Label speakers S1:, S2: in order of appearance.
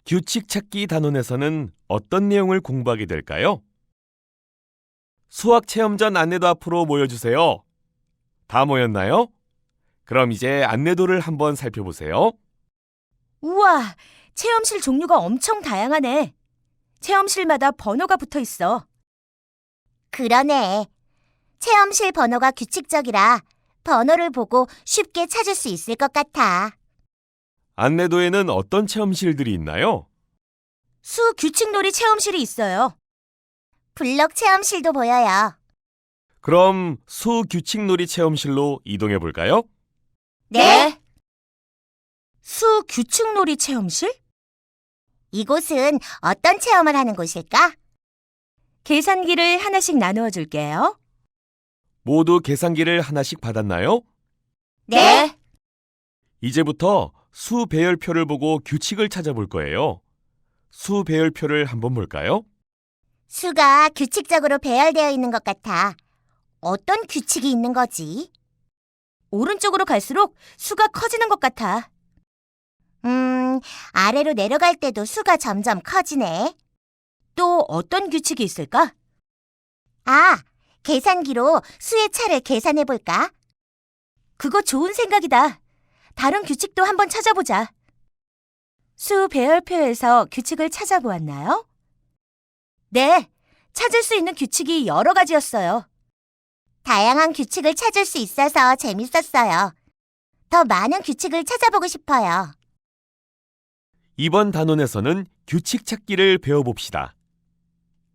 S1: 규칙 찾기 단원에서는 어떤 내용을 공부하게 될까요? 수학 체험전 안내도 앞으로 모여주세요. 다 모였나요? 그럼 이제 안내도를 한번 살펴보세요.
S2: 우와, 체험실 종류가 엄청 다양하네. 체험실마다 번호가 붙어 있어.
S3: 그러네. 체험실 번호가 규칙적이라 번호를 보고 쉽게 찾을 수 있을 것 같아.
S1: 안내도에는 어떤 체험실들이 있나요?
S2: 수 규칙놀이 체험실이 있어요.
S3: 블록 체험실도 보여요.
S1: 그럼 수 규칙놀이 체험실로 이동해 볼까요?
S3: 네.
S2: 수 규칙놀이 체험실?
S3: 이곳은 어떤 체험을 하는 곳일까?
S2: 계산기를 하나씩 나누어 줄게요.
S1: 모두 계산기를 하나씩 받았나요?
S3: 네.
S1: 이제부터 수 배열표를 보고 규칙을 찾아볼 거예요. 수 배열표를 한번 볼까요?
S3: 수가 규칙적으로 배열되어 있는 것 같아. 어떤 규칙이 있는 거지?
S2: 오른쪽으로 갈수록 수가 커지는 것 같아.
S3: 아래로 내려갈 때도 수가 점점 커지네.
S2: 또 어떤 규칙이 있을까?
S3: 아, 계산기로 수의 차를 계산해 볼까?
S2: 그거 좋은 생각이다. 다른 규칙도 한번 찾아보자. 수 배열표에서 규칙을 찾아보았나요? 네, 찾을 수 있는 규칙이 여러 가지였어요.
S3: 다양한 규칙을 찾을 수 있어서 재밌었어요. 더 많은 규칙을 찾아보고 싶어요.
S1: 이번 단원에서는 규칙 찾기를 배워봅시다.